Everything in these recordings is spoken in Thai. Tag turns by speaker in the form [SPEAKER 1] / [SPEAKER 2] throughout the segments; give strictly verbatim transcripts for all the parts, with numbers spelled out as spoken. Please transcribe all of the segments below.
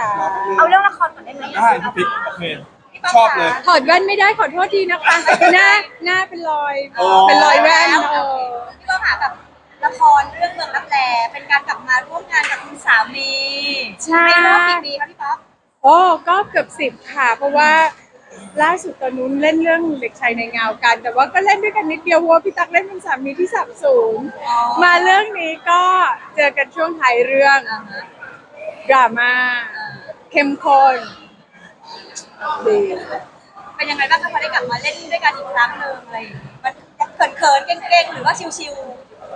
[SPEAKER 1] เอาเรื่องละครก่อนได้ไหม
[SPEAKER 2] ได้พี่ปิ๊กโอเคชอบเลย
[SPEAKER 3] ถอดแว่นไม่ได้ขอโทษทีนะคะหน้าหน้าเป็นรอย
[SPEAKER 2] โอ้
[SPEAKER 3] เป็นรอยแว่นเออ
[SPEAKER 1] พี่ต้องหากับละครเรื่องเมืองรับแลเป็นการกลับมาร่วมงานกับคุณสามี
[SPEAKER 3] ใช่
[SPEAKER 1] ในรอบกี่ปีคะพี่ป๊อก
[SPEAKER 3] โอ้ก็เกือบสิบค่ะ เพราะว่าล่าสุดตอนนู้นเล่นเรื่องเด็กชายในเงากัน แต่ว่าก็เล่นด้วยกันนิดเดียวเพราะว่าพี่ตั๊กเล่นเป็นสามีที่สับสูงมาเรื่องนี้ก็เจอกันช่วงท้ายเรื่อง
[SPEAKER 1] อ่าฮะ
[SPEAKER 3] ดราม่าเข้มข้นดี
[SPEAKER 1] เป็นยังไงบ้างคะพอได้กลับมาเล่นด้วยกันอีกครั้งหนึ่งอะไรอย่างงี้มันเขินๆเกรงๆหรือว่าชิว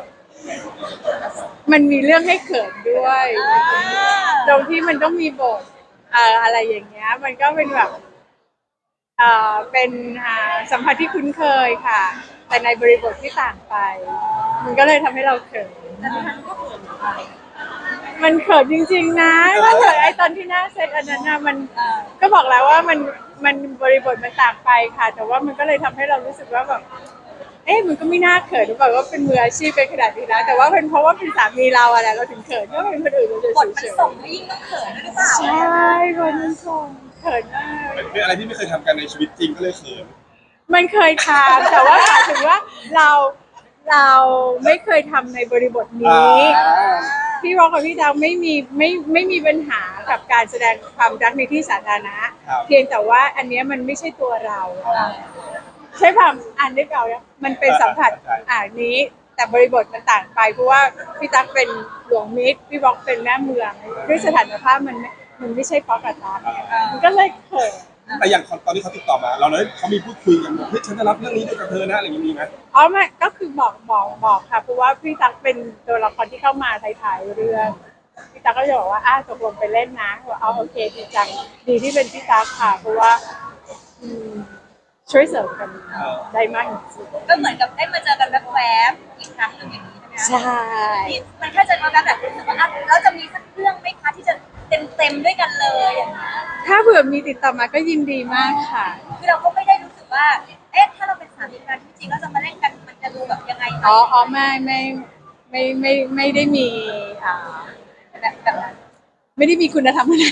[SPEAKER 3] มันมีเรื่องให้เขินด้วย
[SPEAKER 1] ๆอ่า
[SPEAKER 3] ตรงที่มันต้องมีบทเอ่ออะไรอย่างเงี้ย มันก็เป็นแบบเอ่อเป็นอ่าสัมผัสที่คุ้นเคยค่ะ แต่ในบริบทที่ต่างไป มันก็เลยทำให้เราเขิน
[SPEAKER 1] แต่ดิฉันก็เขินไป
[SPEAKER 3] มันเขินจริงๆนะก็เขินไอตอนที่หน้าเซตอันนั้นนะมัน
[SPEAKER 1] อ่า
[SPEAKER 3] ก็บอกแล้วว่ามันมันบริบทมันต่างไปค่ะ แต่ว่ามันก็เลยทำให้เรารู้สึกว่าแบบเอ๊ะมันก็ไม่น่าเขินหรือเปล่าว่าเป็นมืออาชีพเป็นขนาดนี้นะแต่ว่าเป็นเพราะว่าเป็นสามีเราอะแหละเราถึงเขินก็เป็นคนอื่นเราจะ
[SPEAKER 1] บทมัน
[SPEAKER 3] เฉย
[SPEAKER 1] ส่งให้ยิ่งต้องเขินด้วยหรือเปล่า
[SPEAKER 3] ๆใช่บทมันส่งเขินมาก
[SPEAKER 2] เป็นอะไรที่ไม่เคยทำกันในชีวิตจริงก็เลยเขิน
[SPEAKER 3] มันเคยทำแต่ว่าหมายถึงว่าเราเราไม่เคยทำในบริบทนี้ พี่วอกกับพี่ดาวไม่มีไม่ไม่มีปัญหากับการแสดงความรักในที่สาธารณะ
[SPEAKER 2] ครับ
[SPEAKER 3] เพียงแต่ว่าอันเนี้ยมันไม่ใช่ตัวเรา ใช่ความอ่านได้เปล่าเนี่ยมันเป็นสัมผัสอ่านนี้ แต่บริบทมันต่างไปเพราะว่าพี่ตั๊กเป็นหลวงมิตรพี่บอกเป็นแม่เมืองด้วยสถานภาพมันไม่มันไม่ใช่ป๊อกกับตั๊กมันก็เลยเขิน
[SPEAKER 2] แต่อย่างตอนที่เขาติดต่อมา เราเลยเขามีพูดคุยกันบอกเฮ้ยฉันจะรับเรื่องนี้ด้วยกับเธอนะอะไรอย่างนี้มีไหม
[SPEAKER 3] อ๋อไม่ก็คือบอกบอกบอกค่ะเพราะว่าพี่ตั๊กเป็นตัวละครที่เข้ามาถ่ายๆเรื่องพี่ตั๊กก็จะบอกว่าอ้าตกลงไปเล่นนะว่าเอาโอเคดีจังดีที่เป็นพี่ตั๊กค่ะเพราะว่าอืมช่วยเสริมกันได้มากจริง
[SPEAKER 1] ก็เหมือนกับได้มาเจอกันแวบๆอีกครั้งหนึ่งอย่างนี้ใช่ไหม
[SPEAKER 3] ๆใช่
[SPEAKER 1] นี่มันแค่เจอกันแวบๆแบบรู้สึกว่าอ่ะแล้วจะมีสักเรื่องไหมคะที่จะเต็มๆด้วยกันเลยอย่างนี้
[SPEAKER 3] ถ้าเผื่อมีติดต่อมาก็ยินดีมากค่ะ
[SPEAKER 1] คือเราก็ไม่ได้รู้สึกว่า เอ๊ะ ถ้าเราเป็นสามีกันจริงๆเราจะมาเล่นกันมันจะดูแบบยังไงไหม
[SPEAKER 3] อ๋ออ๋อไม่ไม่ไม่ไม่ไม่ได้มีอ่า
[SPEAKER 1] แบบแบบนั้น
[SPEAKER 3] ไม่ได้มีคุณธรรมอะไร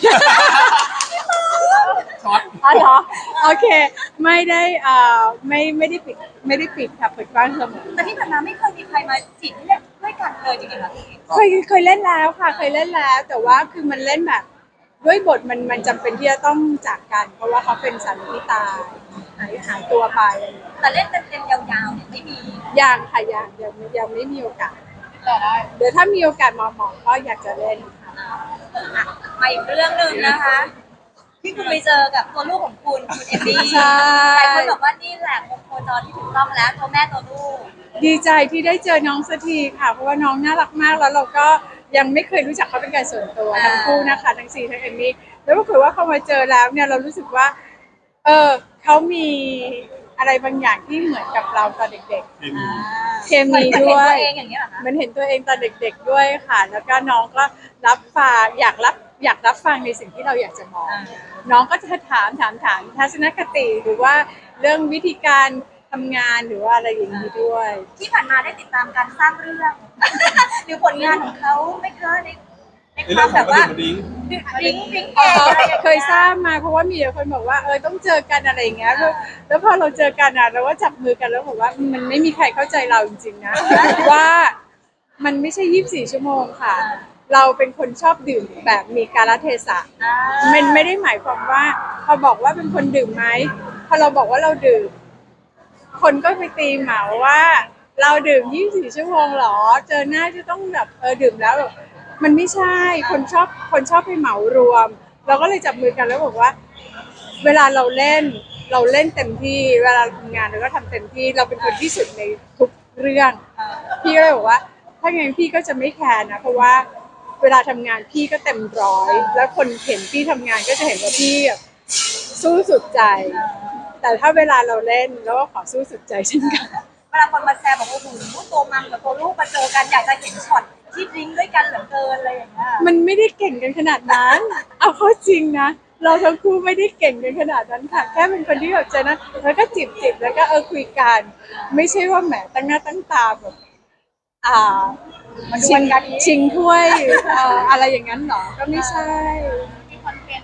[SPEAKER 2] ช็อต
[SPEAKER 3] อ๋อเหรอโอเค ไม่ได้อ่าไม่ไม่ได้ปิดไม่ได้ปิดค่ะเปิดกว้างเสมอ
[SPEAKER 1] แต่ที่ผ่านมาไม่เคยมีใครมาจีบให้เล่นด้วยกันเลยจริงๆเหรอพี่
[SPEAKER 3] เคยเคยเล่นแล้วค่ะเคยเล่นแล้ว แต่ว่าคือมันเล่นแบบด้วยบทมันมันจำเป็นที่จะต้องจากกัน เพราะว่าเขาเป็นสามีที่ตายหายหายตัวไป
[SPEAKER 1] แต่เล่นเต็มๆยาวๆเนี่ยไม่มี
[SPEAKER 3] ยังค่ะยังยังยังไม่มีโอกาส
[SPEAKER 1] แต่ได้
[SPEAKER 3] เดี๋ยวถ้ามีโอกาสหมอหมอก็อยากจะเล่นค่ะ
[SPEAKER 1] อ่ะมาอีกเรื่องหนึ่งนะคะที่คุณไปเจอกับตัวลูกของคุณคุณเอมมี่
[SPEAKER 3] ใช่
[SPEAKER 1] หลายคนบอกว่านี่แหละวงโคจรที่ถูกต้องแล้วตัวแม่ตัวลูก
[SPEAKER 3] ดีใจที่ได้เจอน้องสักทีค่ะ เพราะว่าน้องน่ารักมากแล้วเราก็ยังไม่เคยรู้จักเขาเป็นการส่วนตัว
[SPEAKER 1] อ่า
[SPEAKER 3] ทั้งคู่นะคะทั้งซีทั้งเอมมี่แล้วปรากฏว่าพอมาเจอแล้วเนี่ยเรารู้สึกว่า เออเขามีอะไรบางอย่างที่เหมือนกับเราตอนเด็ก
[SPEAKER 2] เคมี
[SPEAKER 3] ๆ เคมีด้วย
[SPEAKER 1] เหมือนเห็นตัวเองอย่างนี้ยเหรอคะ
[SPEAKER 3] มันเห็นตัวเองตอนเด็ก ๆด้วยค่ะ แล้วก็น้องก็รับฟังอยากรับอยากรับฟังในสิ่งที่เราอยากจะมอง น้องก็จะถามถามถามทัศนคติหรือว่าเรื่องวิธีการทำงานหรือว่าอะไรอย่างนี้ด้วย
[SPEAKER 1] ที่ผ่านมาได้ติดตามการสร้างเรื่อง หรือผลงานของเขาไม่เคยในใน
[SPEAKER 2] ใน
[SPEAKER 1] ค
[SPEAKER 2] เรื่
[SPEAKER 1] วา
[SPEAKER 2] อ
[SPEAKER 1] ม
[SPEAKER 2] งข
[SPEAKER 1] แบ
[SPEAKER 2] อง
[SPEAKER 1] บ
[SPEAKER 2] กระ
[SPEAKER 1] ว่า
[SPEAKER 2] ดิ่งกระดิ่ง
[SPEAKER 1] ดริ้งดริ้งแก
[SPEAKER 3] อ๋อ
[SPEAKER 1] งอะไรอย่าง
[SPEAKER 3] เคยทราบมาเพราะว่ามีแต่คนบอกว่าเออต้องเจอกันอะไรอย่างเงี้ยแล้วแล้วพอเราเจอกันอ่ะเราก็จับมือกันแล้วบอกว่ามันไม่มีใครเข้าใจเราจริงๆนะ ว่ามันไม่ใช่ยี่สิบสี่ชั่วโมงค่ะ เราเป็นคนชอบดื่มแบบมีกาลเทศะ
[SPEAKER 1] อ่า
[SPEAKER 3] มันไม่ได้หมายความว่าพอบอกว่าเป็นคนดื่มไหมพอเราบอกว่าเราดื่ม คนก็ไปตีเหมาว่า เราดื่มยี่สิบสี่ชั่วโมงหรอ เจอหน้าจะต้องแบบเออดื่มแล้วแบบมันไม่ใช่ คนชอบคนชอบไปเหมารวม เราก็เลยจับมือกันแล้วบอกว่า เวลาเราเล่นเราเล่นเต็มที่ เวลาทำงานเราก็ทำเต็มที่ เราเป็นคนที่สุดในทุกเรื่อง พี่ก็เลยบอกว่า ถ้างั้นพี่ก็จะไม่แคร์นะ เพราะว่าเวลาทำงานพี่ก็เต็มร้อย แล้วคนเห็นพี่ทำงานก็จะเห็นว่าพี่แบบสู้สุดใจ แต่ถ้าเวลาเราเล่นเราก็ขอสู้สุดใจเช่นกัน
[SPEAKER 1] เวลาคนมาแซวบอกว่าโอ้โหตัวมัมกับตัวลูกมาเจอกันอยากจะเห็นช็อตที่ดริ้งด้วยกันเหลือเกินอะไรอย่างเงี้ย
[SPEAKER 3] มันไม่ได้เก่งกันขนาดนั้น เอาเข้าจริงนะ เราทั้งคู่ไม่ได้เก่งกันขนาดนั้นค่ะ แค่เป็นคนที่แบบเจอนะแล้วก็จิบจิบแล้วก็เออคุยกัน ไม่ใช่ว่าแหมตั้งหน้าตั้งตาแบบอ่า
[SPEAKER 1] มันด
[SPEAKER 3] ชิ
[SPEAKER 1] วล
[SPEAKER 3] ง
[SPEAKER 1] กัน
[SPEAKER 3] ชิงถ้วยเอ่ออะไรอย่างนั้นหรอ ก็ไม่ใช่
[SPEAKER 1] มีคอนเทน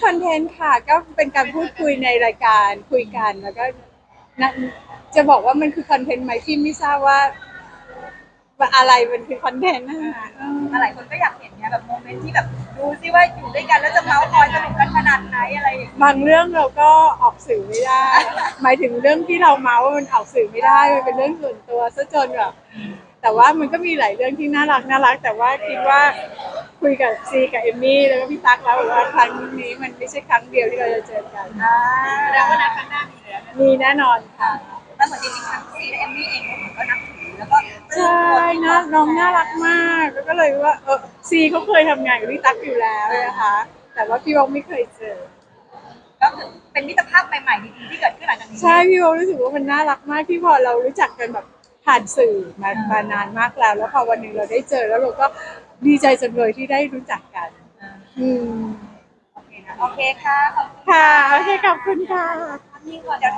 [SPEAKER 3] อนเทนต์ค่ะก็เป็นการพูดคุยในรายการคุยกันแล้วก็นะจะบอกว่ามันคือคอนเทนต์ไหมที่ไม่ทราบว่าว่าอะไรมันคือคอนเทนต์นะคะเออ
[SPEAKER 1] หลายคนก็อยากเห็นเนี่ยแบบโมเมนต์ที่แบบดูซิว่าอยู่ด้วยกันแล้วจะเมาส์มอยสนุกกันขนาดไหนอะไรอย่างเงี้ย
[SPEAKER 3] บางเรื่องเราก็ออกสื่อไม่ได้ หมายถึงเรื่องที่เราเมาว่ามันออกสื่อไม่ได้มันเป็นเรื่องส่วนตัวซะจนแบบแต่ว่ามันก็มีหลายเรื่องที่น่ารักน่ารักแต่ว่าคิดว่าคุยกับซีกับเอมมี่แล้วก็พี่ตั๊กแล้วว่าครั้งนี้มันไม่ใช่ครั้งเดียวที่เราจะเจอกัน
[SPEAKER 1] อ่า
[SPEAKER 4] แล้วก็นัดครั้งหน้ามีแล้ว
[SPEAKER 3] มีแน่นอนค่ะ
[SPEAKER 1] แล้วเหมือนจริงๆทั้งซีและเอมมี่เองก็นับถือแล้วก็
[SPEAKER 3] ใช่นะน้องน่ารักมากแล้วก็เลยว่าเออซีเขาเคยทำงานกับพี่ตั๊กอยู่แล้วนะคะแต่ว่าพี่วองไม่เคยเจอ
[SPEAKER 1] ก็คือเป็นมิตรภาพใหม่ๆดีๆที่เกิดขึ้นหลังจากนี้
[SPEAKER 3] ใช่พี่วองรู้สึกว่ามันน่ารักมากที่พอเรารู้จักกันแบบผ่านสื่อมามานานมากแล้ว แล้วพอวันหนึ่งเราได้เจอแล้วเราก็ดีใจจังเลยที่ได้รู้จักกัน อืม
[SPEAKER 1] โอเคนะโอเคค่ะขอบคุณ
[SPEAKER 3] ค่ะโอเคขอบคุณค่ะ
[SPEAKER 1] นี่ก่อนเดี๋ยว